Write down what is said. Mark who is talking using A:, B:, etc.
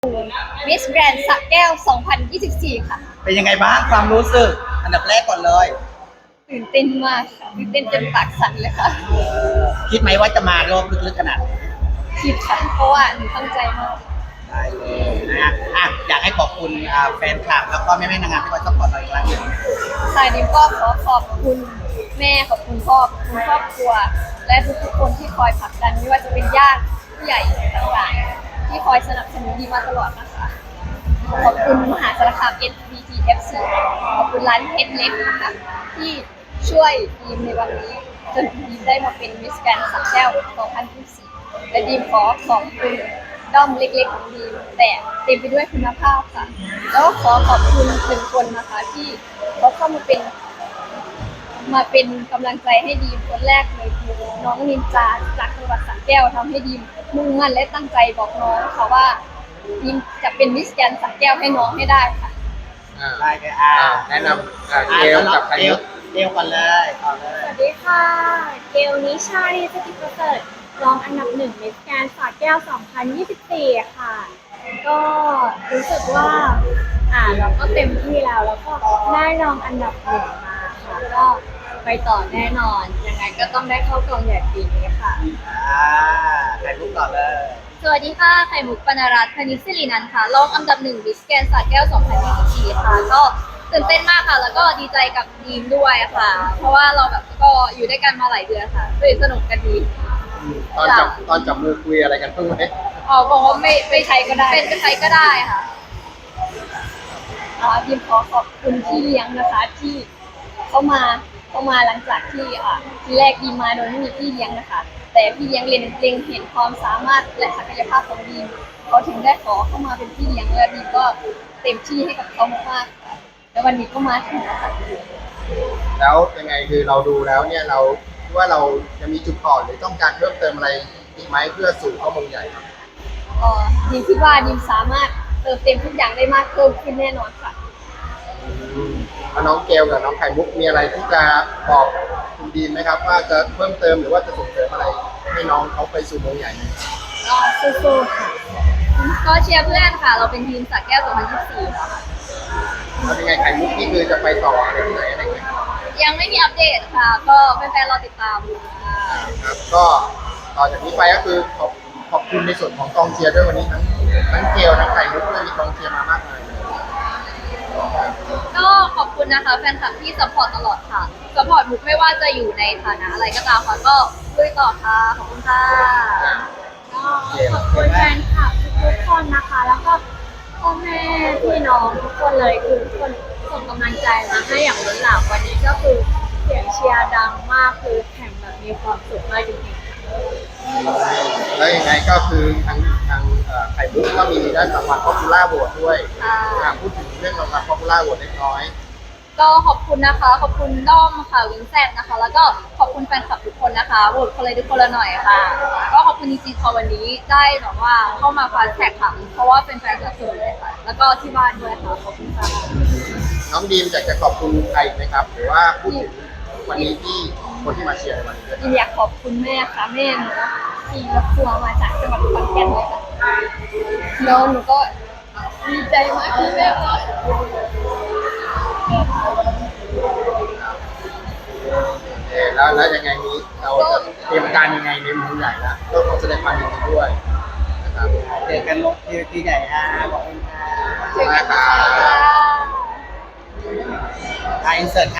A: มิสแกรนด์สระแก้ว 2024 ค่ะ
B: เป็นยังไงบ้างความรู้สึกอันดับแรกก่อนเลย
A: ตื่นเต้นมากค่ะตื่นเต้นจนปากสั่นเลยค่ะ
B: คิดไหมว่าจะมารอบลึกๆขนาดนี้
A: คิดค่ะ เพราะว่าหนูตั้งใจมาก
B: ได้เลยนะอยากให้ขอบคุณแฟนคลับแล้วก็แม่ๆนางงามที่คอยซัพพอร์ตเราอีกครั้งหนึ่ง
A: สายนี้ก็ขอบคุณแม่ขอบคุณพ่อขอบคุณครอบครัว และทุกๆคนที่คอยผลักดันไม่ว่าจะเป็นญาติผู้ใหญ่ต่างๆที่คอยสนับสนุนดีมาตลอดนะคะ ขอบคุณมหาสารคาม SBTFC ขอบคุณร้านเพชรเล็กนะคะที่ช่วยดีมในวันนี้จนดีมได้มาเป็นมิสแกรนด์สระแก้ว 2024 และดีมขอบคุณด้อมเล็กๆของดีมแต่เต็มไปด้วยคุณภาพค่ะ แล้วก็ขอบคุณหนึ่งคนนะคะที่เขาเข้ามาเป็นกำลังใจให้ดีมคนแรกเลยคือน้องนินจาจากจังหวัดสระแก้วทำให้ดีมมุ่งมั่นและตั้งใจบอกน้องค่ะว่าดีมจะเป็นมิสแกรนด์สระแก้วให้น้องให้ได้ค่ะ
B: ได้เลย
C: แนะนำเกลกับใคร
B: เกลก่อนเลยก่อนเล
D: ส
B: ย
D: วัสดีค่ะ เกลนิชาลีสติประเสริฐรองอันดับหนึ่งมิสแกรนด์สระแก้ว 2024 ค่ะ ก็รู้สึกว่าเราก็เต็มที่แล้วก็ได้รองอันดับหนึ่งมาค่ะ ก็ไปต่อแน่นอน ยังไงก็ต้องได้เข้ากองใหญ่ปีนี้ค่ะ
B: ใครพูดก่อนเลย
A: สวัสดีค่ะไข่มุกปนรัตน์พนิชศิรินันท์ค่ะรองอันดับหนึ่งมิสแกรนด์สระแก้ว 2024 ค่ะ ก็ตื่นเต้นมากค่ะ แล้วก็ดีใจกับทีมด้วยค่ะ เพราะว่าเราแบบก็อยู่ด้วยกันมาหลายเดือนค่ะสนุกกันดี
C: ตอนจับมือคุยอะไรกันเพิ่งไหม
A: บอกว่าไม่ใช้ก็ได้เป็นใช้ก็ได้ค่ะทีมขอบคุณที่เลี้ยงนะคะที่เข้ามาหลังจากที่ทีแรกดีมมาโดยไม่มีพี่เลี้ยงนะคะ แต่พี่เลี้ยงเล็งเห็นความสามารถและศักยภาพของดีมเขาถึงได้ขอเข้ามาเป็นพี่เลี้ยงและดีมก็เต็มที่ให้กับเขามากๆค่ะแล้ววันนี้ก็มาถึงแล้วค่ะ
C: แล้วยังไงคือเราดูแล้วเนี่ยเราคิดว่าเราจะมีจุดอ่อนหรือต้องการเพิ่มเติมอะไรอีกไหมเพื่อสู่เข้ามงใหญ่ครับ
A: ดีมคิดว่าดีมสามารถเติมเต็มทุกอย่างได้มากเพิ่มขึ้นแน่นอนค่ะ
C: แล้วน้องเกลกับน้องไข่มุกมีอะไรที่จะบอกคุณดีมไหมครับ ว่าจะเพิ่มเติมหรือว่าจะส่งเสริมอะไรให้น้องเขาไปสู่มงใหญ่ไหม
A: ก็สู้ๆค่ะก็เชียร์เพื่อนค่ะ เราเป็นทีมสระแก้ว 2024 ค่ะ
C: แล้วยังไงไข่มุกนี่คือจะไปต่ออะไรที่ไหนอะไรเงี้ย
A: ยังไม่มีอัปเดตค่ะ ก็แฟนๆรอติดตามค่ะ
C: ครับก็ต่อจากนี้ไปก็คือขอบคุณในส่วนของกองเชียร์ด้วยวันนี้ทั้งเกลทั้งไข่มุกด้วยมีกองเชียร์มามากมายเลย
A: ก็ขอบคุณนะคะแฟนคลับที่สปอร์ตตลอดค่ะสปอร์ตมุกไม่ว่าจะอยู่ในฐานะอะไรก็ตามค่ะ ก็ลุยต่อค่ะ ขอบคุณค่ะ
D: ก็ขอบคุณแฟนคลับทุกคนนะคะ แล้วก็พ่อแม่พี่น้องทุกคนเลยคือทุกคนส่งกำลังใจมาให้อย่างล้นหลามวันนี้ก็คือเสียงเชียร์ดังมากคือแข่งแบบมีความสุขมากจริงๆ
C: แล้วยังไงก็คือทางไข่มุกก็มีได้รางวัล Popular Vote ด้วย
A: ค่ะ
C: พูดถึงเรื่องรางวัล Popular Vote เล็กน้อย
A: ก็ขอบคุณนะคะ ขอบคุณด้อมค่ะวิงแซดนะคะ แล้วก็ขอบคุณแฟนคลับทุกคนนะคะโหวตคนเลยทุกคนละหน่อยค่ะ ก็ขอบคุณจริงๆค่ะวันนี้ได้แบบว่าเข้ามาฟาสแท็กค่ะ เพราะว่าเป็นแฟนคลับส่วนเลยค่ะ แล้วก็ที่บ้านด้วยค่ะ ขอบคุณค่ะ
C: น้องดีมอยากจะขอบคุณใครอีกไหมครับ หรือว่าพูดถึงวันนี้ที่คนที่มาเชียร์ในวันนี้ด้วย
A: อยากขอบคุณแม่ค่ะแม่หนูขี่รถทัวร์มาจากจังหวัดขอนแก่นเลยค่ะแล้วหนูก็ดีใจมากที่แม่มา
C: แล้วยังไงนี้เราจะเตรียมการยังไงในมุมใหญ่แล้วก็ขอแสดงความยินดีด้วยนะครับ
B: เจอกันลงที่ใหญ่ขอบคุณค่ะ
A: เจอกันค่ะ
B: อินเสิร์ต